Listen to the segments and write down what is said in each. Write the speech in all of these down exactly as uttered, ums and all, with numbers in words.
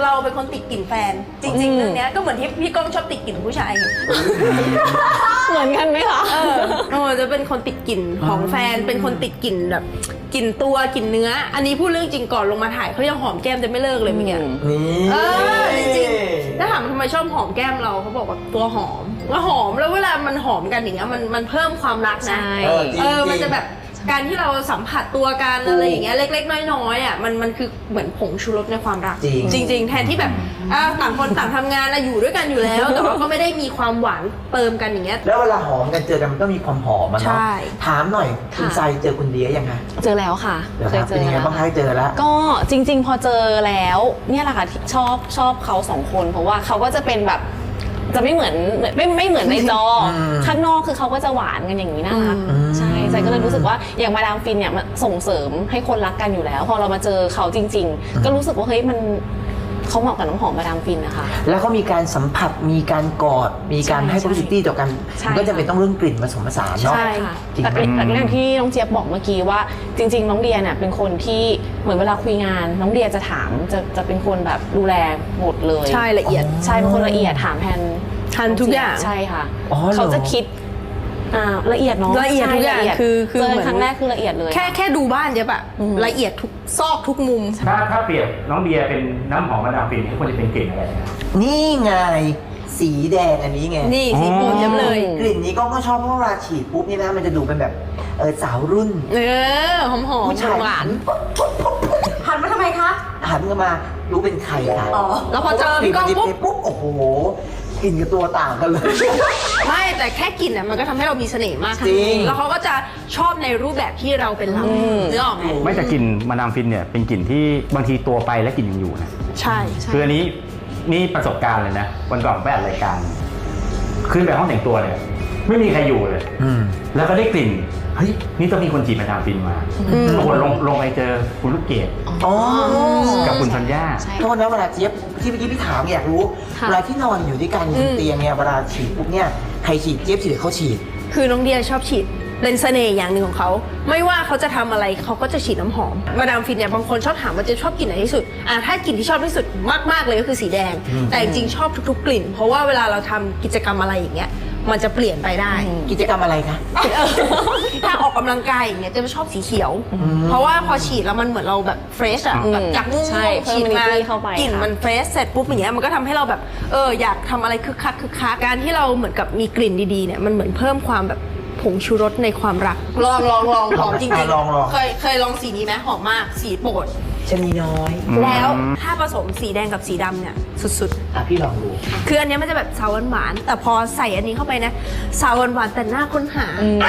เราเป็นคนติดกลิ่นแฟนจริงๆเรื่องนี้ก็เหมือนที่พี่ก้องชอบติดกลิ่นผู้ชายเหมือนกันไหมคะเออโอ้จะเป็นคนติดกลิ่นของแฟนเป็นคนติดกลิ่นแบบกลิ่นตัวกลิ่นเนื้ออันนี้พูดเรื่องจริงก่อนลงมาถ่ายเขายังหอมแก้มจะไม่เลิกเลยเมื่อกี้เออจริงๆถ้าถามทำไมชอบหอมแก้มเราเขาบอกว่าตัวหอมว่าหอมแล้วเวลามันหอมกันอย่างเงี้ยมันมันเพิ่มความรักนะเออมันจะแบบการที่เราสัมผัสตัวกันอะไรอย่างเงี้ยเล็กๆน้อยๆอ่ะมันมันคือเหมือนผงชูรสในความรักจริงๆแทนที่แบบต่างคนต่างทำงานนะอยู่ด้วยกันอยู่แล้วแต่ว่าก็ไม่ได้มีความหวานเติมกันอย่างเงี้ยแล้วเวลาหอมกันเจอกันมันต้องมีความหอมมันเนาะถามหน่อยคุณทรายเจอคุณเดียยังไงเจอแล้วค่ะเคยเจอเป็นยังไงบ้างคะเจอแล้วก็จริงๆพอเจอแล้วเนี่ยแหละค่ะชอบชอบเขาสองคนเพราะว่าเขาก็จะเป็นแบบจะไม่เหมือนไม่ไม่เหมือนในจอข้างนอกคือเขาก็จะหวานกันอย่างนี้นะคะใช่ใจก็เลยรู้สึกว่าอย่างมาดามฟินเนี่ยมันส่งเสริมให้คนรักกันอยู่แล้วพอเรามาเจอเขาจริงๆก็รู้สึกว่าเฮ้ยมันเขาเหมาะกับน้ำหอมมาดามฟินนะคะแล้วเขามีการสัมผัสมีการกอดมีการให้ publicity ต่อกันก็จะเป็นต้องเรื่องกลิ่นผสมผสานเนาะใช่ค่ะแต่เรื่องที่น้องเจี๊ยบบอกเมื่อกี้ว่าจริงๆน้องเดียเนี่ยเป็นคนที่เหมือนเวลาคุยงานน้องเดียจะถามจะจะเป็นคนแบบดูแลหมดเลยใช่ละเอียดใช่เป็นคนละเอียดถามแทนทันทุกอย่างใช่ค่ะเขาจะคิดละเอียดเนาะละเอียดทุกอย่างคือคือครั้งแรกคือละเอียดเลยแค่แค่ดูบ้านเจ๊ปะละเอียดทุกซอกทุกมุมถ้าถ้าเปรียบน้องเบียร์เป็นน้ำหอมมาดามฟินนี่ควรจะเป็นกลิ่นอะไรนี่ไงสีแดงอันนี้ไงนี่สีโปรดเจ๊เลยกลิ่นนี้ก็ก็ชอบเพราะเวลาฉีดปุ๊บนี่นะมันจะดูเป็นแบบเออสาวรุ่นเออหอมหอมหวานหันมาทำไมคะหันมารู้เป็นใครค่ะอ๋อแล้วพอเจอพี่ก้องปุ๊บโอ้โหกลิ่นกับตัวต่างกันเลยไม่แต่แค่กลิ่นอ่ะมันก็ทำให้เรามีเสน่ห์มากจริงแล้วเขาก็จะชอบในรูปแบบที่เราเป็นเราเนื้อออกไหมไม่แต่กลิ่นมาดามฟินเนี่ยเป็นกลิ่นที่บางทีตัวไปและกลิ่นยังอยู่นะใช่คืออันนี้นี่ประสบการณ์เลยนะวันก่อนไปอัดรายการขึ้นไปห้องแต่งตัวเลยไม่มีใครอยู่เลยแล้วก็ได้กลิ่นเฮ้ยนี่ต้องมีคนจีบมาดามฟินมาปรากฏลงลงไปเจอคุณลูกเกดกับคุณธัญญาโทษนะเวลาเจี๊ยบที่เมื่อกี้พี่ถามอยากรู้เวลาที่นอนอยู่ด้วยกันบนเตียงเนี่ยเวลาฉีดปุ๊บเนี่ยใครฉีดเจี๊ยบฉีดเขาฉีดคือน้องเดียชอบฉีดเป็นเสน่ห์อย่างหนึ่งของเขาไม่ว่าเขาจะทำอะไรเขาก็จะฉีดน้ำหอมมาดามฟินเนี่ยบางคนชอบถามว่าจะชอบกลิ่นไหนที่สุดอ่ะถ้ากลิ่นที่ชอบที่สุดมากๆเลยก็คือสีแดงแต่จริงๆชอบทุกๆกลิ่นเพราะว่าเวลาเราทำกิจกรรมอะไรอย่างเงี้ยมันจะเปลี่ยนไปได้กิจกรรมอะไรคะถ้าออกกำลังกายอย่างเงี้ยจะชอบสีเขียวเพราะว่าพอฉีดแล้วมันเหมือนเราแบบเฟรชอะแบบจากง่วงฉีดมากลิ่นมันเฟรชเสร็จปุ๊บอย่างเงี้ยมันก็ทำให้เราแบบเอออยากทำอะไรคึกคักคึกคักการที่เราเหมือนกับมีกลิ่นดีๆเนี่ยมันเหมือนเพิ่มความแบบผงชูรสในความรักลองลองลองหอมจริงๆเคยเคยลองสีนี้ไหมหอมมากสีโปรดชนีน้อยแล้วถ้าผสมสีแดงกับสีดำเนี่ยสุดๆอ่ะพี่ลองดูคืออันนี้มันจะแบบซาวหวานแต่พอใส่อันนี้เข้าไปนะซาวหวานแต่หน้าค้นหา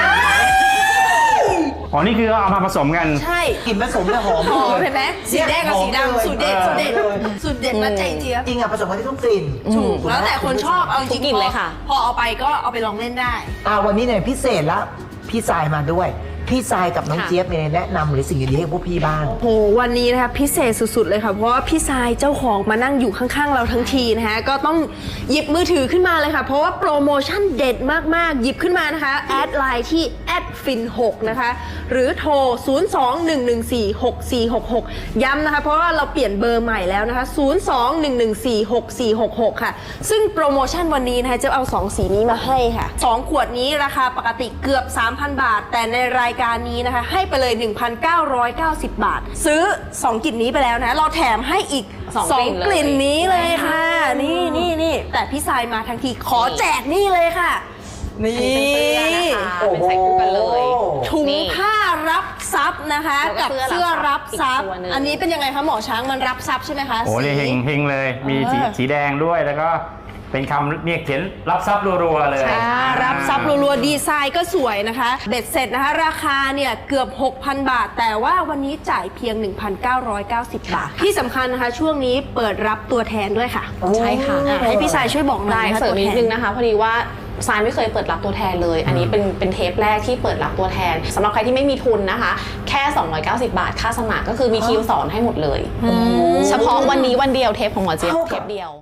อ๋อนี่คือเอามาผสมกันใช่กลิ่นผสมแล้วหอมหอมเห็นไหมสีแดงกับสีดำสูตรเด็ดสูตรเด็ดสูตรเด็ดมาใจเจี๊ยบจริงอ่ะผสมกันที่ต้องกลิ่นถูกแล้วแต่คนชอบเอาจริงๆเลยค่ะพอเอาไปก็เอาไปลองเล่นได้อ่าวันนี้เนี่ยพิเศษละพี่ทรายมาด้วยพี่ทรายกับน้องเจี๊ยบเนี่ยแนะนำหรือสิ่งดีๆให้พวกพี่บ้างโอ้วันนี้นะคะพิเศษสุดๆเลยค่ะเพราะว่าพี่ทรายเจ้าของมานั่งอยู่ข้างๆเราทั้งทีนะคะก็ต้องหยิบมือถือขึ้นมาเลยค่ะเพราะว่าโปรโมชั่นเด็ดมากๆหยิบขึ้นมานะคะแอดไลน์ที่แอดฟินหกนะคะหรือโทรศูนย์ สอง หนึ่ง หนึ่ง สี่ หก สี่ หก หกย้ำนะคะเพราะว่าเราเปลี่ยนเบอร์ใหม่แล้วนะคะศูนย์ สอง หนึ่ง หนึ่ง สี่ หก สี่ หก หกค่ะซึ่งโปรโมชั่นวันนี้นะคะจะเอาสองสีนี้มาให้ค่ะสองขวดนี้ราคาปกติเกือบ สามพัน บาทแต่ในรายการนี้นะคะให้ไปเลย หนึ่งพันเก้าร้อยเก้าสิบ บาทซื้อสองกลิ่นนี้ไปแล้วนะเราแถมให้อีกสองกลิ่นนี้เลยค่ะนี่นี่นี่แต่พี่ทรายมาทั้งทีขอแจกนี่เลยค่ะนี่เป็นใส่คู่กันเลยถุงผ้ารับซับนะคะกับเสื้อรับซับอันนี้เป็นยังไงคะหมอช้างมันรับซับใช่ไหมคะโอ้นี่เฮงเฮงเลยมีสีแดงด้วยแล้วก็เป็นคำเนี่ยเขียนรับซับรัวๆเลยรับซับรัวๆดีไซน์ก็สวยนะคะเบ็ดเสร็จนะคะราคาเนี่ยเกือบ หกพัน บาทแต่ว่าวันนี้จ่ายเพียง หนึ่งพันเก้าร้อยเก้าสิบ บาทที่สำคัญนะคะช่วงนี้เปิดรับตัวแทนด้วยค่ะใช่ค่ะให้พี่ทรายช่วยบอกหน่อยเสริมนิดนึงนะคะพอดีว่าทรายไม่เคยเปิดรับตัวแทนเลยอันนี้เป็นเป็นเทปแรกที่เปิดรับตัวแทนสำหรับใครที่ไม่มีทุนนะคะแค่สองร้อยเก้าสิบบาทค่าสมัครก็คือมีทีมสอนให้หมดเลยเฉพาะวันนี้วันเดียวเทปของหมอเจี๊ยบเทปเดียว